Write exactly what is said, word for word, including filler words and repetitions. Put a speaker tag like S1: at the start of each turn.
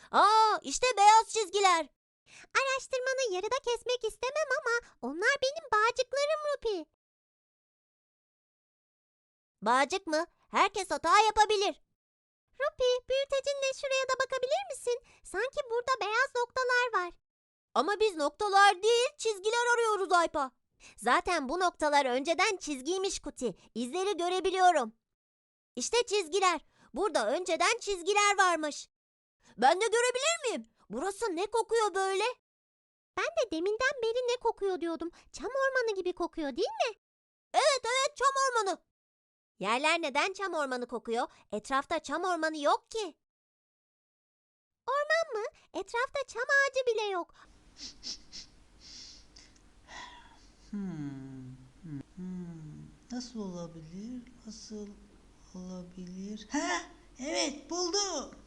S1: Aa, işte beyaz çizgiler.
S2: Araştırmanı yarıda kesmek istemem ama onlar benim bağcıklarım Rupi.
S1: Bağcık mı? Herkes hata yapabilir.
S2: Rupi, büyütecinle şuraya da bakabilir misin? Sanki burada beyaz noktalar var.
S1: Ama biz noktalar değil, çizgiler arıyoruz Aypa. Zaten bu noktalar önceden çizgiymiş Kuti. İzleri görebiliyorum. İşte çizgiler. Burada önceden çizgiler varmış. Ben de görebilir miyim? Burası ne kokuyor böyle?
S2: Ben de deminden beri ne kokuyor diyordum. Çam ormanı gibi kokuyor değil mi?
S1: Evet evet, çam ormanı. Yerler neden çam ormanı kokuyor? Etrafta çam ormanı yok ki.
S2: Orman mı? Etrafta çam ağacı bile yok.
S3: Hmm, hmm, hmm. Nasıl olabilir? Nasıl olabilir? Ha, evet buldum.